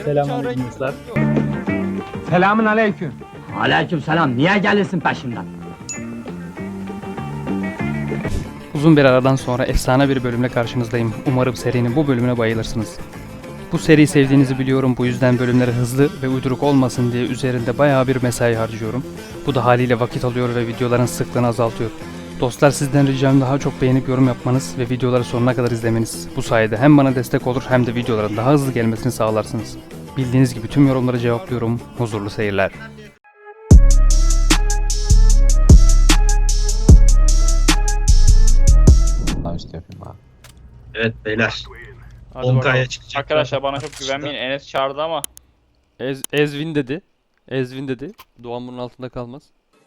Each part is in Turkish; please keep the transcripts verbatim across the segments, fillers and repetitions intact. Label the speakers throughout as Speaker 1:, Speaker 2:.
Speaker 1: Selamünaleyküm dostlar.
Speaker 2: Selamun aleyküm.
Speaker 3: Aleyküm selam. Niye gelirsin peşimden?
Speaker 1: Uzun bir aradan sonra efsane bir bölümle karşınızdayım. Umarım serinin bu bölümüne bayılırsınız. Bu seriyi sevdiğinizi biliyorum. Bu yüzden bölümleri hızlı ve uyduruk olmasın diye üzerinde bayağı bir mesai harcıyorum. Bu da haliyle vakit alıyor ve videoların sıklığını azaltıyor. Dostlar, sizden ricam daha çok beğenip yorum yapmanız ve videoları sonuna kadar izlemeniz. Bu sayede hem bana destek olur hem de videoların daha hızlı gelmesini sağlarsınız. Bildiğiniz gibi tüm yorumları cevaplıyorum. Huzurlu seyirler.
Speaker 2: İşte yapayım abi.
Speaker 4: Evet beyler.
Speaker 1: Hadi
Speaker 4: on K'ya
Speaker 1: bakalım.
Speaker 4: çıkacak.
Speaker 5: Arkadaşlar bana çok güvenmeyin. Enes çağırdı ama.
Speaker 1: Ez, Ezvin dedi. Ezvin dedi. Doğan bunun altında kalmaz.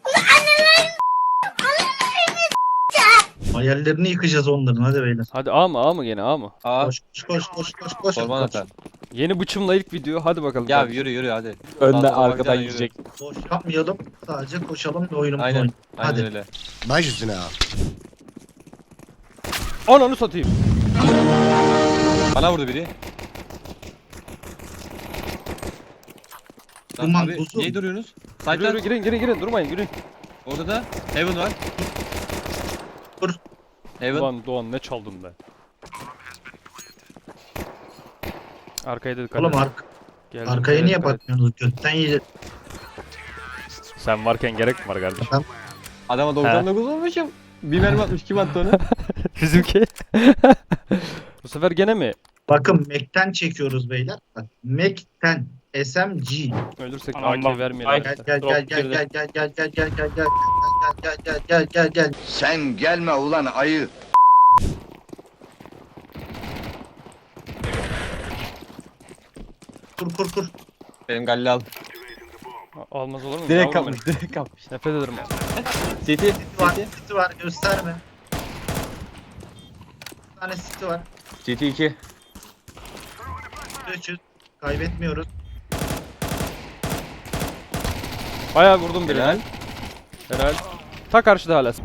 Speaker 4: Hayallerini yıkacağız onların, hadi beyler.
Speaker 1: Hadi A mı A mı gene A mı?
Speaker 2: Aa,
Speaker 4: Koş koş koş koş koş koş.
Speaker 2: sorman
Speaker 4: koş.
Speaker 2: atar.
Speaker 1: Yeni bıçımla ilk video, hadi bakalım.
Speaker 2: Ya
Speaker 1: kardeşim.
Speaker 2: yürü yürü hadi.
Speaker 6: Önden
Speaker 2: Sağ-
Speaker 6: arkadan
Speaker 2: soldan
Speaker 6: yiyecek.
Speaker 4: Boş yapmayalım. Sadece koşalım ve oyunumuzu
Speaker 2: Aynen.
Speaker 4: oynayalım.
Speaker 2: Aynen
Speaker 4: Hadi.
Speaker 2: öyle.
Speaker 6: Baş üstüne abi.
Speaker 1: Ananı satayım.
Speaker 2: Bana vurdu biri. Lan
Speaker 4: Duman,
Speaker 2: abi
Speaker 4: buzum.
Speaker 2: niye duruyorsunuz?
Speaker 1: Yürü, yürü,
Speaker 2: Side'den
Speaker 1: girin girin girin durmayın girin.
Speaker 2: orada da Heaven var.
Speaker 4: Dur.
Speaker 2: Heaven.
Speaker 1: Doğan, Doğan ne çaldın be. Arkaya da dikkat
Speaker 4: Oğlum
Speaker 1: et.
Speaker 4: ark
Speaker 1: Geldim,
Speaker 4: arkaya
Speaker 1: geldim,
Speaker 4: niye
Speaker 1: dikkat et.
Speaker 4: bakmıyorsunuz? Götten yiyeceğiz.
Speaker 1: Sen varken gerek mi var kardeşim?
Speaker 2: Adama doksan dokuz olmuşum. Bir mermi atmış, kim attı onu?
Speaker 1: Bizimki. Bu sefer gene mi?
Speaker 4: Bakın Mac'ten çekiyoruz beyler. Bak Mac'ten S M G.
Speaker 1: Ölürsek
Speaker 5: Aman
Speaker 1: A K
Speaker 5: bak.
Speaker 1: vermeyelim.
Speaker 5: Ay,
Speaker 4: Gel
Speaker 1: arkadaşlar.
Speaker 4: gel gel
Speaker 5: Drop
Speaker 4: gel
Speaker 5: girdi.
Speaker 4: gel gel gel gel gel gel gel gel gel gel gel gel.
Speaker 6: Sen gelme ulan ayı.
Speaker 4: Kur kur kur.
Speaker 2: Benim Galli al.
Speaker 1: A- Almaz olur mu?
Speaker 2: Direkt
Speaker 1: Yavrum
Speaker 2: kapmış, direkt kapmış.
Speaker 1: benim. Nefret ederim.
Speaker 2: City,
Speaker 4: City var,
Speaker 2: City.
Speaker 4: City var, gösterme. Bir tane City var.
Speaker 2: City iki.
Speaker 4: üç yüz. Kaybetmiyoruz.
Speaker 1: Bayağı vurdum biri.
Speaker 2: Helal.
Speaker 1: Helal. Ta karşıda hala.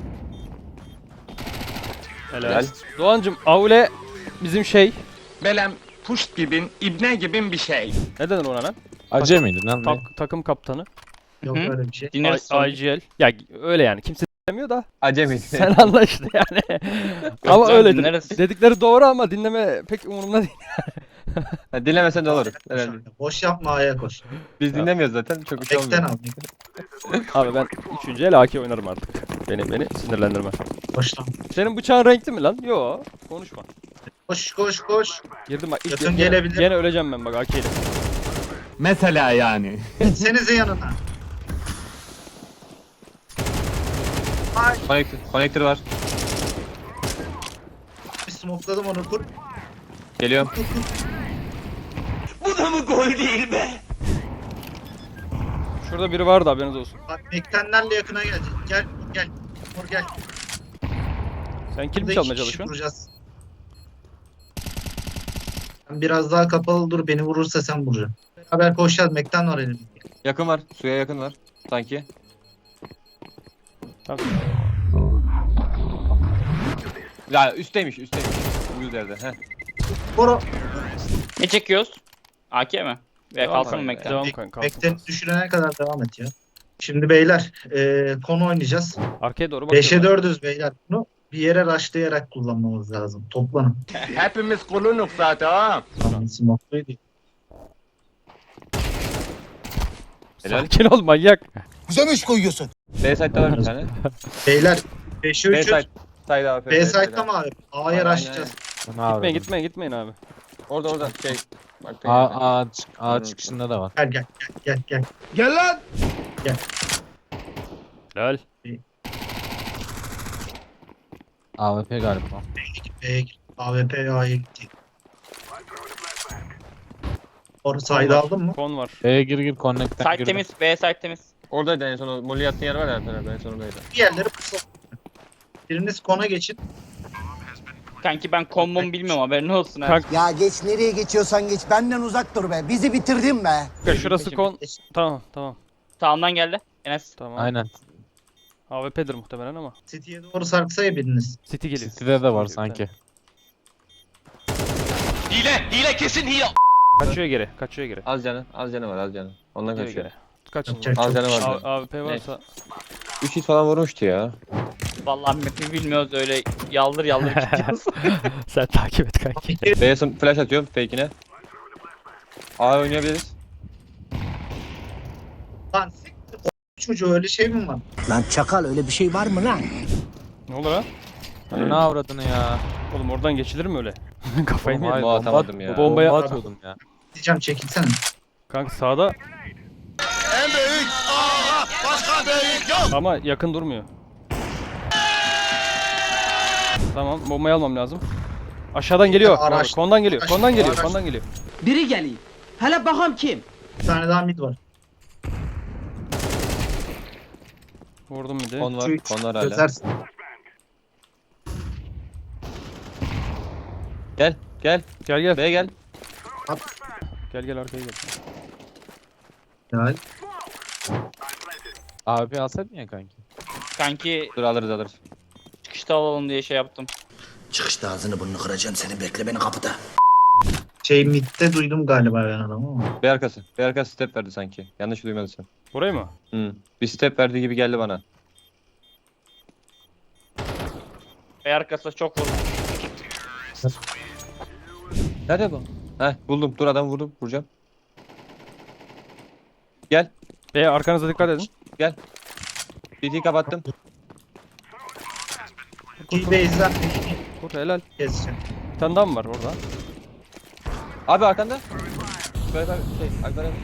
Speaker 1: Helal.
Speaker 2: Helal.
Speaker 1: Doğancım, Aule bizim şey.
Speaker 7: Belem puşt gibin, ibne gibin bir şey.
Speaker 1: Ne denir ona lan?
Speaker 6: Acı mıydı lan?
Speaker 1: Tak- takım kaptanı.
Speaker 4: Yok
Speaker 5: Hı?
Speaker 4: öyle bir şey.
Speaker 5: Dinleriz
Speaker 1: I-
Speaker 5: sonra.
Speaker 1: I G L. Ya öyle yani, kimse demiyor da
Speaker 2: Acemi.
Speaker 1: sen anla işte yani. Ama
Speaker 5: Canım,
Speaker 1: öyledir.
Speaker 5: dinleriz.
Speaker 1: Dedikleri doğru ama dinleme pek umurumda değil.
Speaker 2: Ha, dinlemesen de olur. Herhalde.
Speaker 4: Boş yapma, aya koş.
Speaker 2: Biz dinlemiyoruz zaten. Çok bir şey
Speaker 4: Bekten
Speaker 2: olmuyor.
Speaker 4: al.
Speaker 1: Abi ben üçüncü el A K oynarım artık. Beni beni sinirlendirme.
Speaker 4: Boştan.
Speaker 1: Senin bıçağın renkli mi lan? Yo, konuşma.
Speaker 4: Koş koş koş.
Speaker 1: Girdim bak. ilk-
Speaker 4: Yakın
Speaker 1: gene-
Speaker 4: gelebilir.
Speaker 1: Gene öleceğim ben bak A K ile.
Speaker 6: Mesela yani.
Speaker 4: Gitsenize yanına. Ay,
Speaker 2: Connector, connector var.
Speaker 4: bir smokladım onu, kur.
Speaker 2: Geliyorum.
Speaker 1: Şurada biri vardı, haberiniz olsun.
Speaker 4: Bak Mektenlerle yakına gelecek. Gel gel. Vur gel.
Speaker 1: Sen kill mi
Speaker 4: Burada
Speaker 1: çalmaya
Speaker 4: iki kişi
Speaker 1: çalışıyorsun?
Speaker 4: vuracağız. Sen biraz daha kapalı dur, beni vurursa sen vuracaksın. Beraber koşacağız, Mekten var elimizde.
Speaker 2: Yakın var. Suya yakın var. Sanki.
Speaker 1: Tamam.
Speaker 2: Ya üstteymiş, üstteymiş. Uyuz yerde. Heh.
Speaker 4: Koro.
Speaker 5: Ne çekiyoruz? A K mi? Ve
Speaker 1: Devam
Speaker 5: kalsın
Speaker 1: kanka,
Speaker 5: mı Mekten?
Speaker 1: Devam
Speaker 4: Mek-
Speaker 1: kanka. kalsın,
Speaker 4: Mekten
Speaker 1: kalsın.
Speaker 4: düşürene kadar devam et ya. Şimdi beyler, e, konu oynayacağız.
Speaker 1: Arkaya doğru bakıyorum.
Speaker 4: beşe dördüz beyler. Bunu bir yere rushlayarak kullanmamız lazım. Toplanın.
Speaker 7: Hepimiz kulunuk zaten ha.
Speaker 4: Tamam, smokluydu.
Speaker 2: Helal.
Speaker 1: Sakin ol manyak.
Speaker 6: Güzelmiş koyuyorsun.
Speaker 2: B side'da var bir tane.
Speaker 4: Beyler, beşe
Speaker 2: B
Speaker 4: üçüz.
Speaker 2: side. Side A F.
Speaker 4: B site'da mı abi? A'ya
Speaker 2: Aynen,
Speaker 4: rushlayacağız.
Speaker 1: Gitmeyin gitmeyin gitmeyin abi.
Speaker 2: Orada orada şey. Bak,
Speaker 6: A, A, A çıkışında da var.
Speaker 4: Gel gel gel gel gel.
Speaker 6: Gel lan.
Speaker 1: Lol.
Speaker 6: A W P galiba.
Speaker 4: B'ye gir. A W P A'ya gitti. Orası sayda aldın mı?
Speaker 1: Kon var.
Speaker 6: B'ye gir gir connect'ten
Speaker 5: Site
Speaker 6: gir.
Speaker 5: temiz. B site temiz.
Speaker 2: Oradaydı en son o molly yattığın yer var ya Alper en son oradaydı.
Speaker 4: Bir yerleri kısalım. Biriniz kona geçin.
Speaker 5: Kanki ben kombomu bilmiyorum, haberin olsun ha.
Speaker 1: Kanka
Speaker 8: Ya geç nereye geçiyorsan geç. Benden uzak dur be. Bizi bitirdin be.
Speaker 1: şurası kon. Tamam tamam.
Speaker 5: Sağımdan geldi. Enes.
Speaker 1: Tamam.
Speaker 6: Aynen.
Speaker 1: A W P'dir muhtemelen ama.
Speaker 4: City'ye doğru sarksa ya biriniz.
Speaker 1: City geliyor.
Speaker 6: City'de de var
Speaker 1: Okey,
Speaker 6: sanki.
Speaker 7: Hile, hile kesin hile.
Speaker 1: Kaçıyor geri. Kaçıyor geri.
Speaker 2: Az canı, az canı var, az canı. Ondan
Speaker 1: Geri
Speaker 2: kaçıyor.
Speaker 1: geri. Kaçın.
Speaker 4: Kaçacak
Speaker 2: Az
Speaker 4: çok
Speaker 2: canı
Speaker 4: şey.
Speaker 2: var.
Speaker 1: A- A W P varsa
Speaker 2: üç hit falan vurmuştu ya.
Speaker 5: Vallahi map'i bilmiyoruz öyle yaldır yaldır gidiyoruz.
Speaker 1: sen takip et kanki.
Speaker 2: B'ye flash atıyorum fake'ine. A oynayabiliriz.
Speaker 4: Lan siktir o çocuğu öyle şey mi var?
Speaker 8: Lan çakal öyle bir şey var mı lan?
Speaker 1: Ne olur ha?
Speaker 6: Hani ne avradını ya.
Speaker 1: Oğlum oradan geçilir mi öyle? Kafayı mı
Speaker 6: Oğlum,
Speaker 1: yedin?
Speaker 6: hayır,
Speaker 2: Bomba atamadım ya.
Speaker 1: Bomba- Bombaya-
Speaker 6: atıyordum ya.
Speaker 4: Diyeceğim çekilsene.
Speaker 1: Kanka sağda. Ama yakın durmuyor. Tamam, bombayı almam lazım. Aşağıdan geliyor.
Speaker 4: Araç-
Speaker 1: Kondan geliyor.
Speaker 4: araç-
Speaker 1: Kondan geliyor.
Speaker 4: araç-
Speaker 1: Kondan geliyor.
Speaker 3: Biri geliyor. Hele bakalım kim?
Speaker 4: Bir tane daha mid var.
Speaker 1: Vurdum bir de.
Speaker 2: Kon var,
Speaker 4: Üç.
Speaker 2: kon var hala.
Speaker 4: Çözersin.
Speaker 2: Gel, gel.
Speaker 1: Gel gel.
Speaker 2: B'ye gel.
Speaker 1: Gel gel arkaya gel.
Speaker 4: Gel.
Speaker 6: A W P alsaydın ya kanki.
Speaker 5: Kanki
Speaker 2: Dur alırız alırız.
Speaker 5: çıkışta alalım diye şey yaptım.
Speaker 8: Çıkışta ağzını burnunu kıracağım seni bekle beni kapıda.
Speaker 4: Şey midde duydum galiba ben adamı ama.
Speaker 2: B arkası. B arkası step verdi sanki. Yanlış duymadıysan.
Speaker 1: Burayı mı?
Speaker 2: Hı. Bir step verdi gibi geldi bana.
Speaker 5: Ve arkasında çok vurdu.
Speaker 2: Nerede bu? Heh buldum. Dur adam vurdum. Vuracağım. Gel.
Speaker 1: E arkanıza dikkat edin.
Speaker 2: Gel. B T'yi kapattım.
Speaker 4: Bir base'den
Speaker 1: Kur helal.
Speaker 4: keseceğim.
Speaker 1: Bir tane daha mı var orada?
Speaker 2: Abi arkanda. Böyle bak şey Alper abi.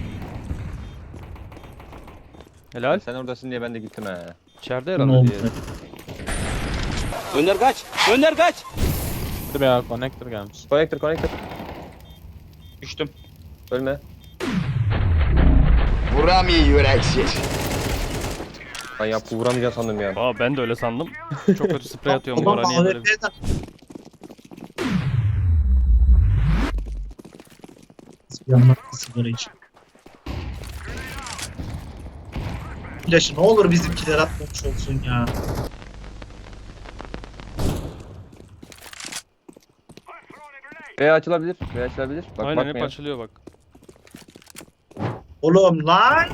Speaker 1: Helal.
Speaker 2: Sen oradasın diye ben de gittim he.
Speaker 1: İçeride
Speaker 4: Ne
Speaker 1: herhalde
Speaker 4: oldu?
Speaker 1: diye.
Speaker 3: Önder kaç. Önder kaç.
Speaker 6: Dur ya connector gelmiş.
Speaker 2: Connector connector.
Speaker 5: Düştüm.
Speaker 2: Ölme.
Speaker 7: Vuramıyor yüreksiz.
Speaker 2: Ben ya vuramayacağım sandım ya.
Speaker 1: Aa ben de öyle sandım. Çok kötü sprey atıyorum bu
Speaker 4: Adam
Speaker 1: ara niye böyle?
Speaker 4: A W P'den. Yanına sigara iç. Flaşı ne olur bizimkiler atmamış olsun ya.
Speaker 2: B açılabilir. B açılabilir. Bak
Speaker 1: Aynen hep
Speaker 2: bakmayın.
Speaker 1: açılıyor bak.
Speaker 4: Oğlum lan.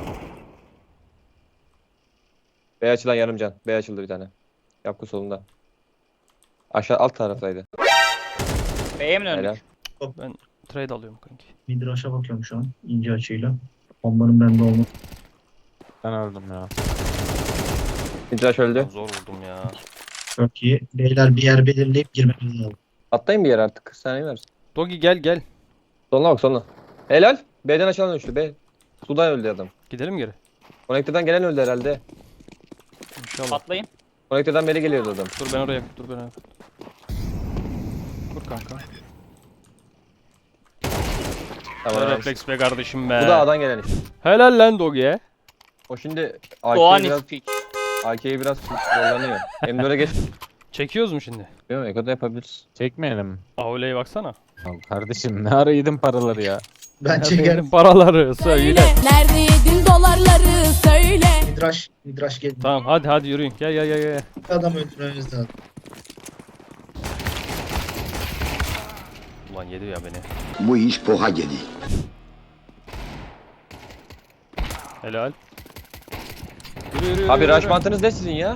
Speaker 2: B açılan yarım can. B açıldı bir tane. Yapku solunda. Aşağı alt taraftaydı.
Speaker 5: B'ye mi
Speaker 2: Helal.
Speaker 5: döndük?
Speaker 1: Trade alıyorum kanki.
Speaker 4: Midrash'a bakıyorum şu an ince açıyla. Bombanın bende olması.
Speaker 6: Ben öldüm ya.
Speaker 2: İntraş öldü.
Speaker 1: Zor vurdum ya.
Speaker 4: Çok iyi. Beyler bir yer belirleyip girmemiz lazım.
Speaker 2: Atlayın bir yere artık. kırk saniye ver.
Speaker 1: Dogi gel gel.
Speaker 2: Soluna bak soluna. Helal. B'den aşağıdan düştü. B. Sudan öldü adam.
Speaker 1: Gidelim geri.
Speaker 2: Connector'dan gelen öldü herhalde.
Speaker 1: İnşallah.
Speaker 5: Patlayın.
Speaker 2: Connector'dan beri geliyordu adam.
Speaker 1: Dur ben oraya dur ben oraya. Dur kanka.
Speaker 2: Tamam.
Speaker 1: Refleks be kardeşim be.
Speaker 2: Bu da A'dan gelen işte.
Speaker 1: Helal lan Dogi'ye.
Speaker 2: O şimdi
Speaker 5: Doğan
Speaker 2: A K'yi biraz,
Speaker 5: ispik.
Speaker 2: A K'yi biraz zorlanıyor. M dört'e geç.
Speaker 1: Çekiyoruz mu şimdi?
Speaker 2: Bilmiyorum Eko'da yapabiliriz.
Speaker 6: Çekmeyelim mi?
Speaker 1: Aule'ye baksana.
Speaker 6: Ya kardeşim ne ara yedin paraları ya.
Speaker 4: Ben
Speaker 1: Benim
Speaker 4: çekerim.
Speaker 1: paraları söyle.
Speaker 9: Nerede yedin dolarları söyle.
Speaker 4: Midrash, Midrash geldi.
Speaker 1: Tamam hadi hadi yürüyün. Gel gel gel gel.
Speaker 4: Adam öldürmemiz lazım.
Speaker 1: Ulan yedi ya beni.
Speaker 7: Bu iş poha geliyor.
Speaker 1: Helal. Yürü yürü yürü.
Speaker 2: Abi
Speaker 1: yürü.
Speaker 2: rush mantığınız ne sizin ya?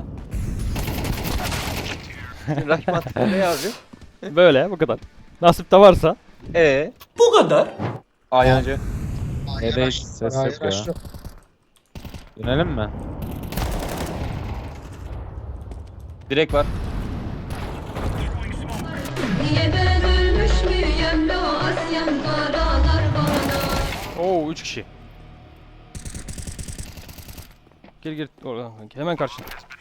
Speaker 2: Rush mantığı ne abi?
Speaker 1: Böyle bu kadar. Nasip de varsa.
Speaker 2: Ee?
Speaker 3: Bu kadar.
Speaker 2: A yancı.
Speaker 4: Hayır,
Speaker 6: Nede
Speaker 4: rush-
Speaker 6: ses
Speaker 4: hayır,
Speaker 6: yok ya.
Speaker 4: rush yok.
Speaker 6: Dönelim mi?
Speaker 2: Direkt var.
Speaker 9: Niye ben ölmüş müyem lo Asyam karalar bana.
Speaker 1: Oo üç kişi. Gir gir oradan. Hemen karşına.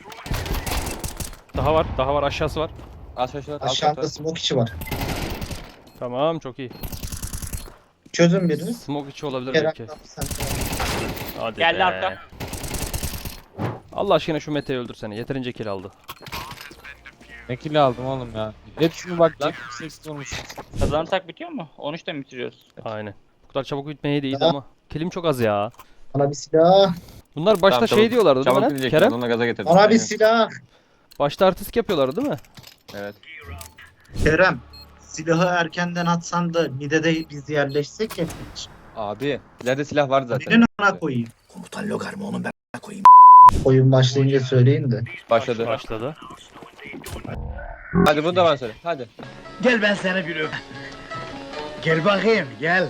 Speaker 1: Daha var, daha var, aşağısı var.
Speaker 2: Aşağıda.
Speaker 4: Aşağıda smoke içi var.
Speaker 1: Tamam, çok iyi.
Speaker 4: Çözün birini.
Speaker 1: Smoke içi olabilir
Speaker 4: Kerem
Speaker 1: belki.
Speaker 4: sen.
Speaker 1: Hadi
Speaker 5: Geldi
Speaker 1: be.
Speaker 5: arka.
Speaker 1: Allah aşkına şu Mete'yi öldürsene. Yeterince kill aldı.
Speaker 6: Ne kill aldım oğlum ya. Hepsini bak seksen vurmuşum.
Speaker 5: Kazanırsak bitiyor mu? on üçte mi bitiriyoruz?
Speaker 1: Aynen. Bu kadar çabuk bitmeye değildi
Speaker 4: Ya.
Speaker 1: ama. Killim çok az ya.
Speaker 4: Bana bir silah.
Speaker 1: Bunlar başta
Speaker 2: Tamam,
Speaker 1: şey
Speaker 2: çabuk-
Speaker 1: diyorlardı değil mi
Speaker 2: Çabuk
Speaker 1: lan?
Speaker 2: bilecektim.
Speaker 1: Kerem?
Speaker 2: Onunla gaza getirdim.
Speaker 4: Bana bir
Speaker 2: Aynen.
Speaker 4: silah.
Speaker 1: Başta artistik yapıyorlardı değil mi?
Speaker 2: Evet.
Speaker 4: Kerem. silahı erkenden atsan da mid'e de biz yerleşsek ya.
Speaker 2: Abi ileride silah vardı zaten.
Speaker 4: Benim ana koyayım.
Speaker 8: Komutan Logar mı onu ben koyayım.
Speaker 4: Oyun başlayınca söyleyin de.
Speaker 2: Başladı.
Speaker 1: Başladı.
Speaker 2: Hadi bunu da bana söyle. Hadi.
Speaker 8: Gel ben sana bir öp. Gel bakayım gel.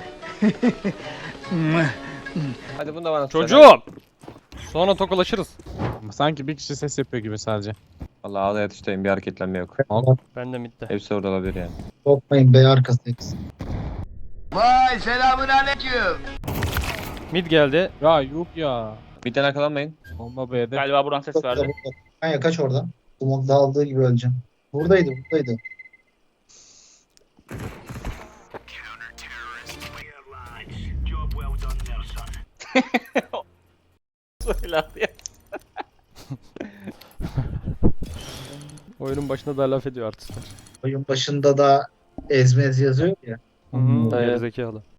Speaker 2: Hadi bunu da bana söyle.
Speaker 1: Çocuğum! Sonra tokalaşırız.
Speaker 6: Sanki bir kişi ses yapıyor gibi sadece.
Speaker 2: Allah ağla yatıştayım, bir hareketlenme yok.
Speaker 1: Ben de midde.
Speaker 2: Hepsi orada olabilir yani.
Speaker 4: Korkmayın bey arkası hepsi.
Speaker 8: Vay selamun aleyküm.
Speaker 1: Mid geldi.
Speaker 6: Ya yok ya.
Speaker 2: Bir tane arkalanmayın.
Speaker 6: Bomba B'de.
Speaker 5: Galiba buradan ses verdi.
Speaker 4: Kanka kaç oradan. Umut dağıldığı gibi öleceğim. Buradaydı buradaydı.
Speaker 5: Söyle ya.
Speaker 1: Oyunun başında da laf ediyor artistler.
Speaker 4: Oyun başında da ezmez yazıyor ya.
Speaker 1: Hı hı. Gerizekalı.